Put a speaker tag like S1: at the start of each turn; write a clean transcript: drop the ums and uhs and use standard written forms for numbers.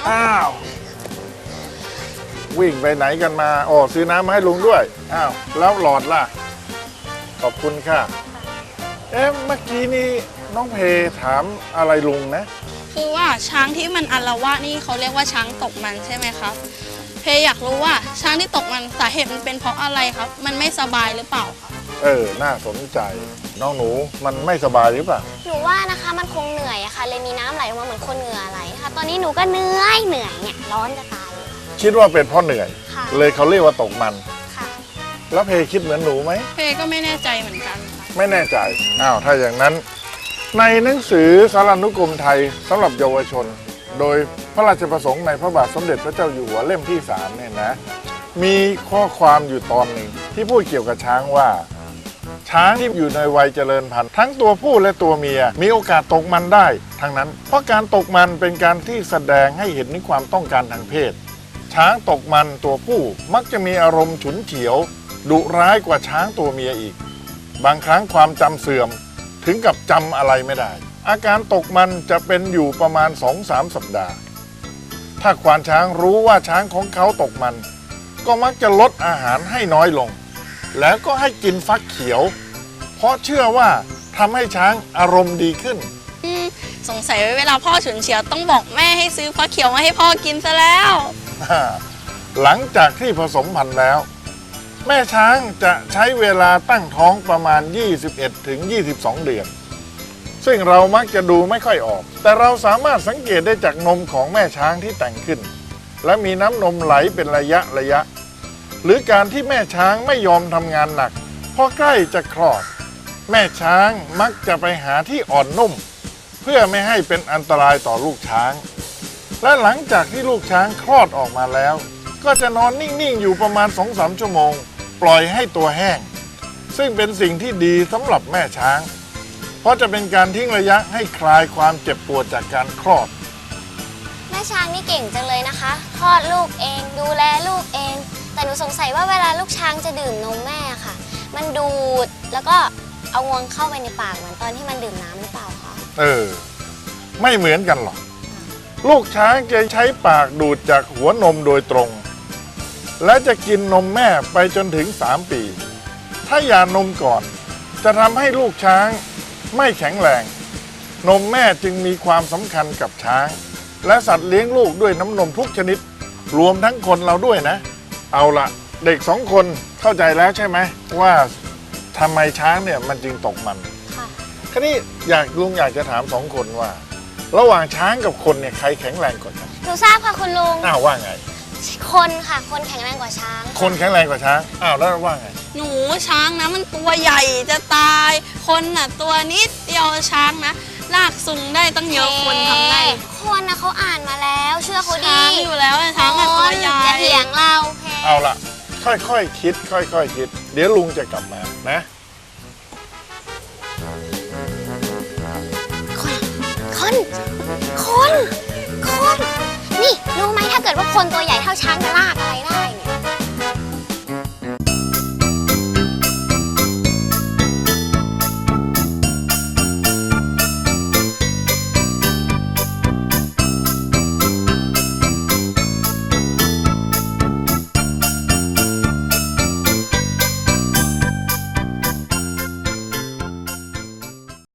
S1: อ้าววิ่งไปไหนกันมาโอ้ซื้อน้ำมาให้ลุงด้วยอ้าวแล้วหลอดล่ะขอบคุณค่ะเมื่อกี้นี้น้องเพถามอะไรลุงนะ
S2: คือว่าช้างที่มันอาละวาดนี่เขาเรียกว่าช้างตกมันใช่ไหมครับเพอยากรู้ว่าช้างที่ตกมันสาเหตุมันเป็นเพราะอะไรครับมันไม่สบายหรือเปล่าครับ
S1: น่าสนใจน้องหนูมันไม่สบายหรือเปล่า
S3: หนูว่านะคะมันคงเหนื่อยอะค่ะเลยมีน้ำไหลออกมาเหมือนคนเหงื่อไหลค่ะตอนนี้หนูก็เหนื่อยเนี่ยร้อนจะตาย
S1: คิดว่าเป็นเพราะเหนื่อยเลยเขาเรียกว่าตกมัน
S3: ค่ะ
S1: แล้วเพคิดเหมือนหนูไหม
S2: เพก็ไม่แน่ใจเหมือนกันค่ะ
S1: ไม่แน่ใจอ้าวถ้าอย่างนั้นในหนังสือสารานุกรมไทยสำหรับเยาวชนโดยพระราชประสงค์ในพระบาทสมเด็จพระเจ้าอยู่หัวเล่มที่3เนี่ยนะมีข้อความอยู่ตอนหนึ่งที่พูดเกี่ยวกับช้างว่าช้างที่อยู่ในวัยเจริญพันธุ์ทั้งตัวผู้และตัวเมียมีโอกาสตกมันได้ทั้งนั้นเพราะการตกมันเป็นการที่แสดงให้เห็นถึงความต้องการทางเพศช้างตกมันตัวผู้มักจะมีอารมณ์ฉุนเฉียวดุร้ายกว่าช้างตัวเมียอีกบางครั้งความจำเสื่อมถึงกับจำอะไรไม่ได้อาการตกมันจะเป็นอยู่ประมาณ 2-3 สัปดาห์ถ้าควานช้างรู้ว่าช้างของเขาตกมันก็มักจะลดอาหารให้น้อยลงแล้วก็ให้กินฟักเขียวเพราะเชื่อว่าทำให้ช้างอารมณ์ดีขึ้น
S2: สงสัยเวลาพ่อฉุนเฉียวต้องบอกแม่ให้ซื้อฟักเขียวมาให้พ่อกินซะแล้ว
S1: หลังจากที่ผสมพันธุ์แล้วแม่ช้างจะใช้เวลาตั้งท้องประมาณ 21-22 เดือนซึ่งเรามักจะดูไม่ค่อยออกแต่เราสามารถสังเกตได้จากนมของแม่ช้างที่แต่งขึ้นและมีน้ำนมไหลเป็นระยะหรือการที่แม่ช้างไม่ยอมทำงานหนักพอใกล้จะคลอดแม่ช้างมักจะไปหาที่อ่อนนุ่มเพื่อไม่ให้เป็นอันตรายต่อลูกช้างและหลังจากที่ลูกช้างคลอดออกมาแล้วก็จะนอนนิ่งๆอยู่ประมาณ 2-3 ชั่วโมงปล่อยให้ตัวแห้งซึ่งเป็นสิ่งที่ดีสำหรับแม่ช้างเพราะจะเป็นการทิ้งระยะให้คลายความเจ็บปวดจากการคลอด
S3: แม่ช้างนี่เก่งจังเลยนะคะคลอดลูกเองดูแลลูกเองแต่หนูสงสัยว่าเวลาลูกช้างจะดื่มนมแม่ค่ะมันดูดแล้วก็เอางวงเข้าไปในปากเหมือนตอนที่มันดื่มน้ำหรือเปล่าคะ
S1: ไม่เหมือนกันหรอกลูกช้างจะใช้ปากดูดจากหัวนมโดยตรงและจะกินนมแม่ไปจนถึง3 ปีถ้าหย่านมก่อนจะทำให้ลูกช้างไม่แข็งแรงนมแม่จึงมีความสำคัญกับช้างและสัตว์เลี้ยงลูกด้วยน้ำนมทุกชนิดรวมทั้งคนเราด้วยนะเอาละเด็ก2 คนเข้าใจแล้วใช่ไหมว่าทำไมช้างเนี่ยมันจึงตกมัน
S3: ค่ะ
S1: คราวนี้ลุงอยากจะถาม2 คนว่าระหว่างช้างกับคนเนี่ยใครแข็งแรงกว่ากัน
S3: หนูทราบค่ะคุณลุง
S1: ว่าไง
S3: คนค่ะคนแข็งแรงกว่าช้าง
S1: คนแข็งแรงกว่าช้างแล้วว่าไง
S2: หนูช้างนะมันตัวใหญ่จะตายคนน่ะตัวนิดเดียวช้างนะลากซุงได้ตั้งเยอะคนทำได้
S3: คนนะเขาอ่านมาแล้วเชื่อเขาดี
S2: ช้างอยู่แล้วช้างตัวใหญ่
S3: อย่าเถียงเรา
S1: เอาล่ะค่อยๆคิดค่อยๆคิดเดี๋ยวลุงจะกลับมานะ
S3: คนนี่รู้ไหมถ้าเกิดว่าคนตัวใหญ่เท่าช้างจะลาก